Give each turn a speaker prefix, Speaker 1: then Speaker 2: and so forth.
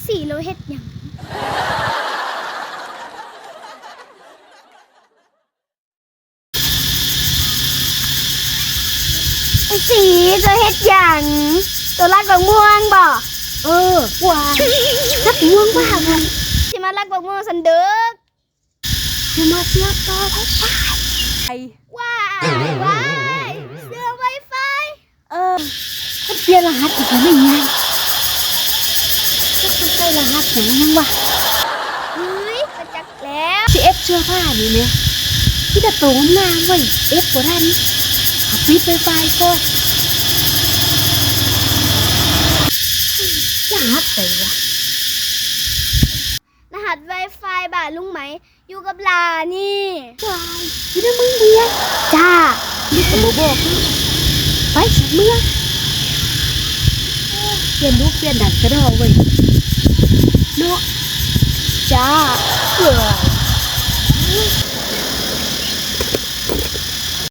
Speaker 1: สี่เราเฮ็ดหยังไอ้สีจะเฮ็ดหยังตัวรักบักม่วงบ่ว่ารักม่วงว่ามันสิมารักบักม่วงสันเด้อสิมาเสียบต่อไวไฟว้ายเสื้อไวไฟ
Speaker 2: ถ้าเปลี่ยนรหัสอีกแล้วไม่ง่ายถ้าคุณใส่รหัสอย่างนั้นวะ
Speaker 1: เฮ้ยกระจักแล้ว
Speaker 2: สิเอฟเสื้อผ้านี่เนี่ยที่จะโตนางเว้ยเอฟบ่ทันเอาปิดไวไฟก่อนรหัสไหนวะ
Speaker 1: รหัส Wi-Fi บ้านลุงไหมอยู่กับหลานี่
Speaker 2: วายอยู่ในมึงเดียว
Speaker 1: จ้า
Speaker 2: นี่ก็บ่บอกนะไปสักเมื่อเปลี่ยนรูปเปลี่ยนดันกระดอเว้ยเนาะ
Speaker 1: จ้า